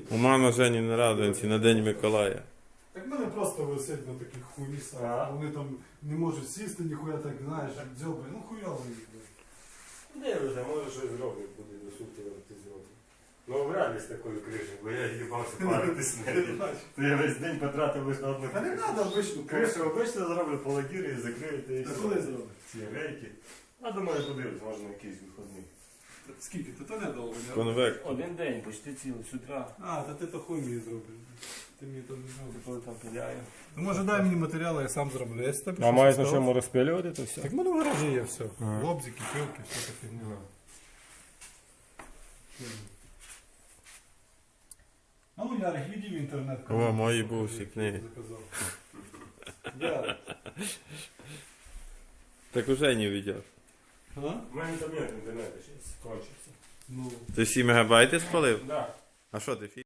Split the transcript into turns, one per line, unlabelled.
У мами Жені на Радонці на День Миколая.
Так в мене просто висить на таких хуїсах. Вони там не можуть сісти, ніхуя так, знаєш, дзьобай. Ну хуйово їх.
Де вже, може щось зроблять, буде до суті ти зробити. Ну вряд ли з такою кришею, бо я їбався паритись нею. То я весь день потратив лише на одну
Та не треба обичну
кришу. Обично зроблю полодіри і закриєте і
Та
все.
коли зробиш?
Ці рейки. А думаю, подивлюсь, може на якийсь виходний.
Скільки? То недовго, не?
Конвект.
Один день, почти цілий, з утра.
А, та ти то хуй мені зробиш. Ти мені то не зробиш.
Коли там пиляю.
Ну може дай мені матеріали, я сам зроблю. Я тобі
А маєш на чому розпилювати, то все?
Так в мене в гаражі є все.
Ага.
Лобзики, пилки, все таке. А ну Ярик, іди в інтернет.
О, мої бувші книги.
Заказав. Ярик.
Так уже не видів.
А?
У мене там нет інтернету, зараз кончиться.
Ну.
Ти всі мегабайти спалив?
Да.
А що ти